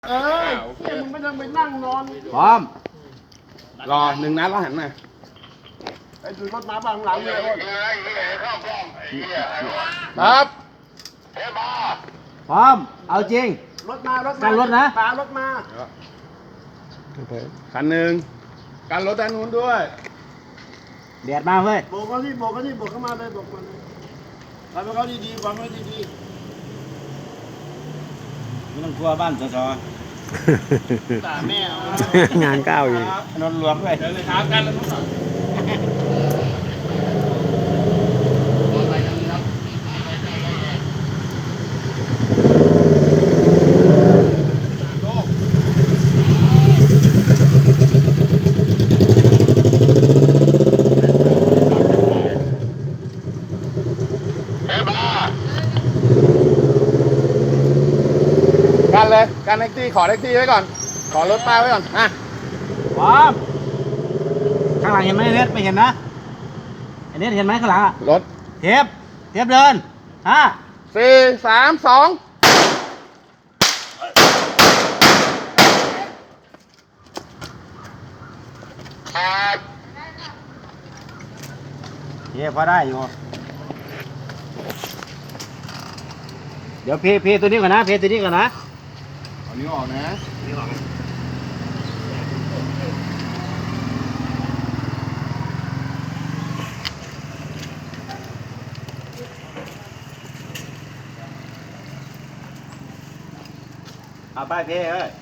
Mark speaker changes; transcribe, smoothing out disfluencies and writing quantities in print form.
Speaker 1: มึงไม่ต้องไปนั่งนอน
Speaker 2: พร้อม
Speaker 3: รอ1 นัดแล้วหันมา
Speaker 1: ไอ้ดูรถมาบ้างหลังเลย
Speaker 3: ครับ
Speaker 2: พร้อม เอาจริง
Speaker 1: รถมารถ
Speaker 2: กันรถนะ
Speaker 1: ปารถมา
Speaker 3: คันหนึ่งกันรถด้านนู้นด้วย
Speaker 2: แดดมาเว้ย
Speaker 1: โบกเขาที่โบกเขาที่โบกเข้ามาเลยโบกมาเลยทำให้เขาดีๆวางไว้ดี
Speaker 2: ไม่ต้องกลัวบ้านสส
Speaker 1: ๆด่าแม่เอา
Speaker 4: งานก้าวอีก
Speaker 2: นนท์รวมด้วย
Speaker 3: เดินเลยครับกันแล้วครับ กันเลยกันแท็กซี่ขอแท็กซี่ไว้ก่อนขอรถป้าไว้ก่อนอ่ะ
Speaker 2: พร้อม ข้างหลังเห็นไหมเน็ตไม่เห็นนะไอ้เน็ตเห็นไหมข้างหลังอะ
Speaker 3: รถ
Speaker 2: เทียบเดิน
Speaker 3: 4 3 2
Speaker 2: เทียบพอได้อยู่ เดี๋ยวเพตัวนี้ก่อนนะเพตัวนี้ก่อนนะ
Speaker 3: เอานิ้วออกนะ
Speaker 2: เอาไปเพเอ้ย